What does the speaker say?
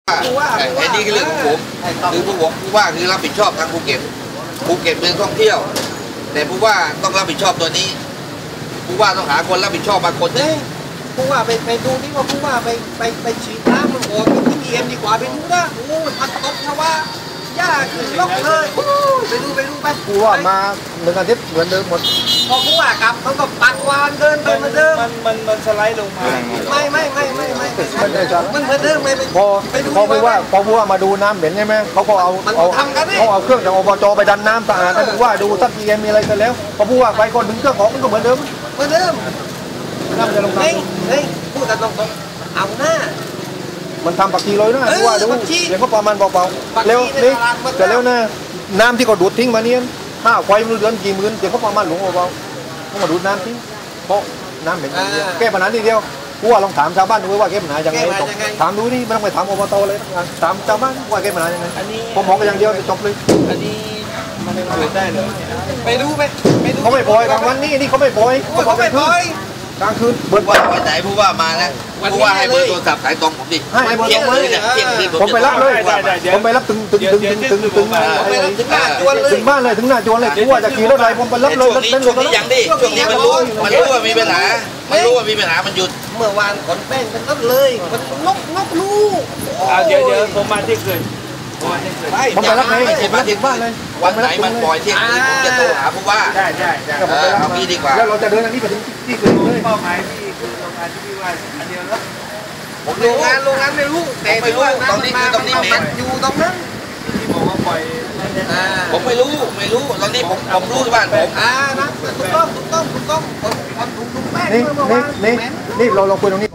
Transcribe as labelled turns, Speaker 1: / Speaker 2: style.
Speaker 1: ไอ้นี่คือเรื่องของผมคือผู้ว่าคือรับผิดชอบทางภูเก็ตเมืองท่องเที่ยวแต่ผู้ว่าต้องรับผิดชอบตัวนี้ผู้ว่าต้องหาคนรับผิดชอบบางคน
Speaker 2: ผู้ว่าไปดูนี่ว่าผู้ว่าไปฉีดน้ำมันโอ้ที่มีเอ็มดีกว่าไปดูนะโอ้มันตกชาวาหญ้าขึ้นล็อกเลยไปดูไป
Speaker 3: ผู้ว่ามาหนึ่งอาทิตย์เหมือนเดิมหมด
Speaker 2: พอผู้ว่ากลับเขาก็ปัดวานเดินไปเหมือนเดิม
Speaker 4: มันสไลด์ลงมา
Speaker 2: ไม่มันเหมือนเดิมไม่
Speaker 3: พอผู้ว่ามาดูน้ำเหม็นใช่ไหมเขาก็เอาเครื่องจากอบจไปดันน้ำสะอาดให้ผู้ว่าดูถ้ามีมีอะไรกันแล้วพอผู้ว่าไปคนถึงเครื่องของมันก็เหมือนเดิมน้ำจะลงน้
Speaker 2: ำพูดกันตรงๆเอาหน้า
Speaker 3: มันทำปักทีเลยนะผู้ว่าดูเดี๋ยวก็ประมาณเบาๆเร็วนี่แต่แล้วนะน้ำที่เขาดูดทิ้งมาเนี่ยถ้าไฟมันเดือนกี่หมื่นเดี๋ยวเขาประมาณหลงเบาๆเขามาดูดน้ำทิ้งเพราะน้ำเหม็นแก้ปัญหาทีเดียวผู้ว่าลองถามชาวบ้านดูว่าแก้ปัญหายังไงถามดูนี่ไม่ต้องไปถามอบตเลยถามชาวบ้านว่าแก้ปัญหายังไงผมบอกกันอย่างเดียวจบเลย
Speaker 4: อันนี้มันเกิดได้เลย
Speaker 2: ไปดู
Speaker 3: เขาไม่ปล่อยกลางวันนี่เขาไม่ปล่อยกลางคืน
Speaker 1: เบิร์ดวันไหนผู้ว่ามาแล้วผู้ว่าให้เบอร์โทรศัพท์สายตรงผมดิ
Speaker 3: ให้เบอร์ตรงเลยผมไปรับเลยผมไปรับถึงบ้านเลยถึงหน้าจวนเลยผู้ว่าจะขี่รถอะไรผมไปรับเลย
Speaker 1: ช่วงนี้ยังดิช่วงนี้มันรู้ว่ามีปัญหามันหยุด
Speaker 2: เมื่อวานขนแป้งเป็นรถเลยมันนกลูก
Speaker 4: เดี๋ยวผมมาที่คืน
Speaker 3: ผมไปรับเลยมาถึงบ้านเลย
Speaker 1: วันไหนมันปล่อยเที่ยงคืนผมจะโทรหาผู้ว่า
Speaker 4: ได้
Speaker 1: เอาพี่ดีกว่า
Speaker 3: แล้วเราจะเดินอันนี้ไปถึงที่คืนเลย
Speaker 4: เป้าหมายพี่คือโรงงานที่พี่ว่าอันเดียวแล้ว
Speaker 2: ผมโรงงานไม่รู้แต่ไม่รู้
Speaker 1: ตอนนี้คือตรงนี้เหม็น
Speaker 2: อยู่ตรงนั้น
Speaker 4: ที่บอกว่าปล่อย
Speaker 1: ผมไม่รู้ตอนนี้ผมรู้ที่บ้านผม
Speaker 2: นะถูกต้องคนถูกแป้ง
Speaker 3: นี่เราคุยตรงนี้